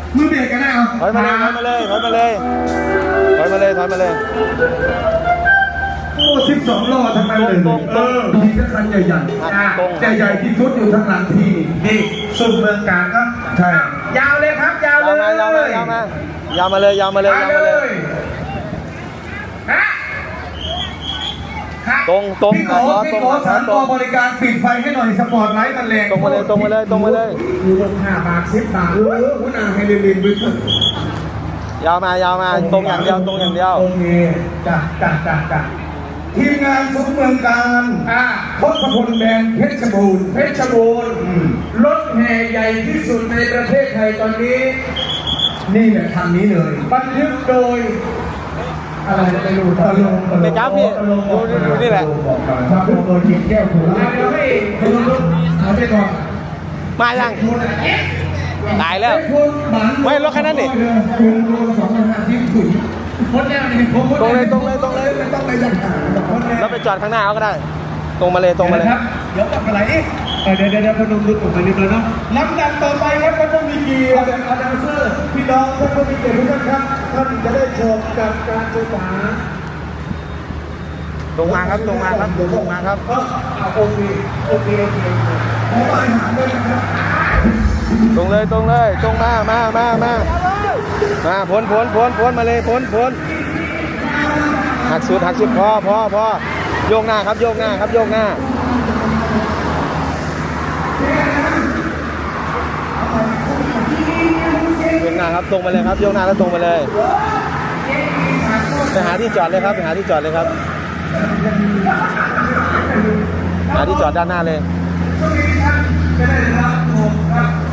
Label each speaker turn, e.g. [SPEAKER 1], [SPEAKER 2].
[SPEAKER 1] มือเบรกกันนะเอา
[SPEAKER 2] ถอยมาเลยถอยมาเลยถอยมาเลยถอยมาเลยถอยมาเลย
[SPEAKER 1] โอ้12 ล้อทั้งนั้นเลยมีแค่คันใหญ่ๆใหญ่ๆที่ทุดอยู่ทั้งหลังที่นี่สุดเมืองกาญก็ใช่ยาวเลยครับยาวเลย
[SPEAKER 2] ยาวมาเลยตรง
[SPEAKER 1] พี่ขอสารต่อบริการปิดไฟให้หน่อยสปอร์ตไลท์มันแรง
[SPEAKER 2] ตรงมาเลย
[SPEAKER 1] ดูลง5 บาท10 บาทหัวหน้าให้เรียนบึ้ง
[SPEAKER 2] ยาวมาตรงอย่างเดียว
[SPEAKER 1] โอเคจ้ะทีมงานสมเมืองการทศพลแบนเพชรบูรณ์รถแห่ใหญ่ที่สุดในประเทศไทยตอนนี้นี่แหละทางนี้เลยบันทึกโดยอะไรไม่รู้ตะลง
[SPEAKER 2] ไม่ครับพี่ดูนี่แหละ
[SPEAKER 1] ครับโดยเกียรติแก้วถูกแล้วให้รถเอาไปก่อน
[SPEAKER 2] มายังตายแล้วไม่รถคันนั้นดิตรงเลยไม่ต้องไปยังหาแล้วไปจอดข้างหน้าเขาก็ได้ตรงมาเลย
[SPEAKER 1] ครับเดี๋ยวกลับไปไหนเดี๋ยวพนมรุ้ผมไปนิดเลยเนาะลำดับต่อไปครับท่านผู้มีเกียรติอาจารย์เซอร์พี่น้องท่านผู้มีเกียรติทุกท่านครับท่านจะได้ชมกับการศึกษา
[SPEAKER 2] ตรงมาครับโอเค
[SPEAKER 1] ขออาหารด้วยนะครับ
[SPEAKER 2] ตรงมาพ้นมาเลยพ้นหักสุดพอโยกหน้าครับโยกหน้าตรงมาเลยครับโยกหน้าแล้วตรงมาเลยไปหาที่จอดเลยครับหาที่จอดด้านหน้าเลย